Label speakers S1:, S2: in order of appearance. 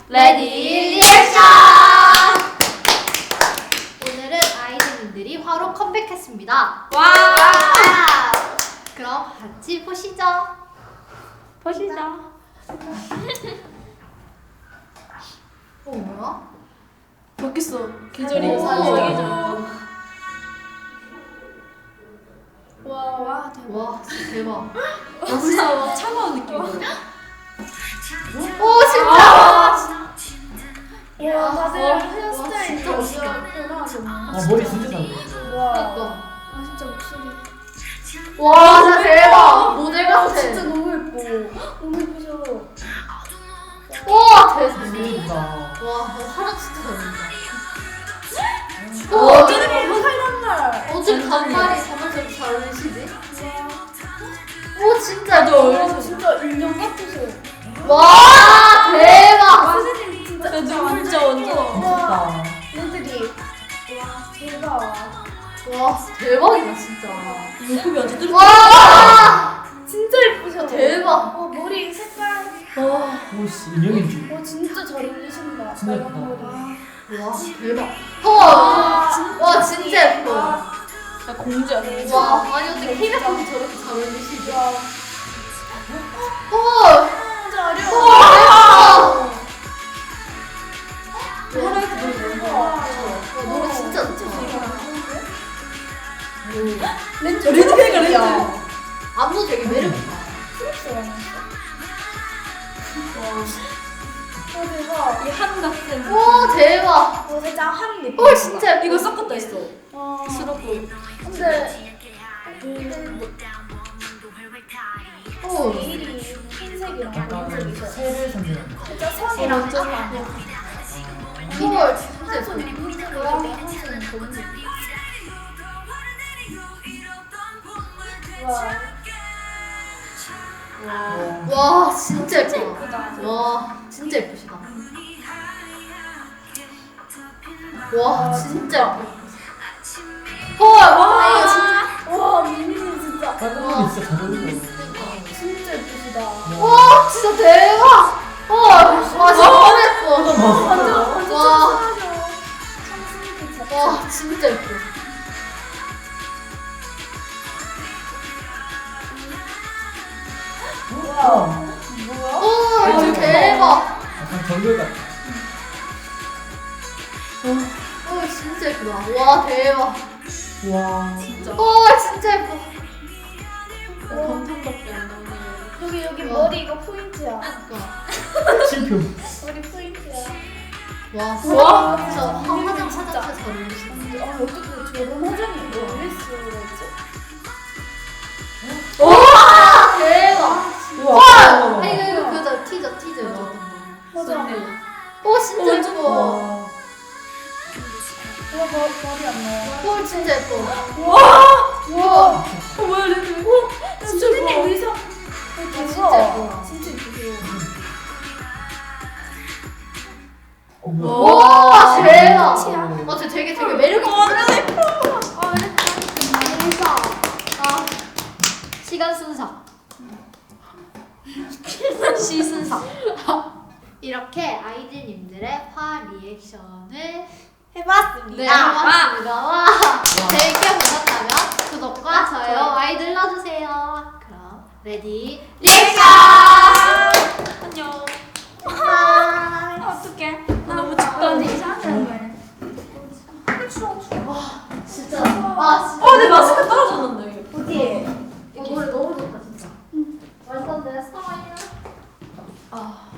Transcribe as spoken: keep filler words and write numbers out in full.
S1: 레디 리액션! 오늘은 아이들님들이 화로 컴백했습니다.
S2: 와!
S1: 그럼 같이 보시죠.
S2: 보시죠.
S1: 어 뭐야?
S2: 바뀌었어. 계절이
S1: 오.
S2: 사계절.
S1: 와, 와 대박. 와 대박.
S2: 진짜 차가운 느낌이야.
S1: 오 진짜.
S3: 와, 다들
S1: 와,
S3: 헤어스타일
S1: 진짜 멋있다.
S3: 변화하셨네.
S4: 아 머리 진짜 잘
S3: 와,
S1: 그러니까.
S3: 아 진짜 목소리.
S1: 와 진짜 대박. 모델
S3: 아,
S1: 같아.
S3: 진짜 너무 예뻐. 너무 예쁘죠.
S1: 와 대박.
S4: 어울린다.
S1: 와 화장 진짜 잘한다.
S3: 와,
S1: 와
S3: 어쩌는 거 파란 날.
S1: 어쩜 단발이 정말 저렇게 잘 어울리시지?
S3: 와,
S1: 오 진짜
S2: 나도 어울리셔.
S3: 와, 진짜 인형 같으세요.
S1: 와 대박.
S3: 선생님 진짜.
S2: 나 진짜 완전.
S4: 미쳤다.
S3: 애들이 와 대박.
S1: 와 대박이다 진짜.
S2: 목소리 완전 뚫.
S1: 와
S3: 진짜 예쁘셔.
S1: 대박.
S3: 와 머리 색깔.
S1: 와,
S4: 오씨 인형인지.
S3: 와 진짜 잘 어울리신다.
S4: 진짜 예쁘다.
S3: 빨간 머리.
S1: 와 대박. 와, 와 진짜 예뻐. 와
S2: 나 공주야. 공주.
S1: 아니 어떻게 케이팝이 저렇게 잘 어울리시지?
S3: 와,
S1: 와
S3: 진짜 어려워.
S1: 와 대박.
S2: 하라이트 노래 너무
S3: 와,
S1: 와, 노래 진짜 좋다.
S3: 렌즈
S2: 렌즈가 렌즈.
S1: 안무 되게 매력있다.
S3: 와 대박.
S2: 이한 같은.
S1: 와 대박.
S3: 와 살짝 한 느낌.
S1: 오 진짜 예뻐.
S2: 이거 섞었다 있어.
S3: 와.
S2: 스럽고.
S3: 근데
S1: 오.
S3: 내일이 흰색이랑
S4: 약간
S3: 검은색이죠.
S4: 새를 상징한다.
S3: 진짜 선이랑 짠.
S1: 헐 진짜 예뻐.
S3: 손이 흰색이랑 내 손은 검은색. 와.
S1: 와 진짜 예쁘다.
S3: 예쁘다.
S1: 와 진짜 예쁘시다. 와 진짜 예뻐. 헐. 와 이거 진짜.
S3: 와 미니는 진짜.
S4: 빨간 머리 진짜 잘 어울리고.
S3: 진짜 예쁘시다.
S1: 와 진짜 대박. 헐. 와 진짜 너무 예뻐.
S3: 완전 완전
S1: 와.
S3: 칭찬하죠. 청순이들 진짜.
S1: 와 진짜 예뻐.
S3: 와.
S4: 뭐야?
S3: 뭐야?
S1: 오 이거 대박.
S4: 약간 정글 같아.
S1: 오 진짜 예쁘다. 와 대박.
S4: 와.
S2: 진짜.
S1: 와 진짜 예뻐.
S2: 감탄밖에 안 나오네.
S3: 여기 여기
S1: 와.
S3: 머리 이거 포인트야.
S4: 실표.
S3: 머리 포인트야.
S1: 와
S2: 와.
S1: 진짜 화장 진짜 잘 어울리시다.
S3: 아 어떻게 저런 화장이 어울릴 수가 있지?
S1: 와 대박.
S4: 우와.
S1: 와 아니 이거 이거 그거 티저 티저 나왔던 거.
S3: 맞아.
S1: 오 진짜
S2: 어, 완전
S1: 예뻐.
S4: 와.
S3: 와 머, 머리 안 나와.
S1: 헐 진짜 예뻐.
S3: 와. 와.
S2: 어 뭐야 렌즈. 오 진짜
S3: 선생님
S2: 예뻐.
S3: 의상.
S1: 아, 진짜 예뻐.
S3: 진짜 예쁘세요.
S1: 와
S4: 와.
S1: 대박.
S3: 끝이야.
S1: 어, 쟤 되게 되게 매력 있어.
S2: 완전 예뻐.
S1: 아, 순서. 아, 시간 순서. 시 순서. 이렇게 아이들님들의 화 리액션을
S3: 해봤습니다.
S1: 네, 해봤습니다. 와, 재밌게 보셨다면 구독과 좋아요 많이 눌러주세요. 그럼 레디 리액션!
S2: 안녕.
S1: 바이.
S2: 어떡해. 나 너무 춥다.
S1: 진짜. 아, 진짜.
S2: 어, 내 마스크 떨어졌는데.
S3: 어디에?
S1: 이 노래 너무 좋다, 진짜. 완전 내 스타일이야. 아.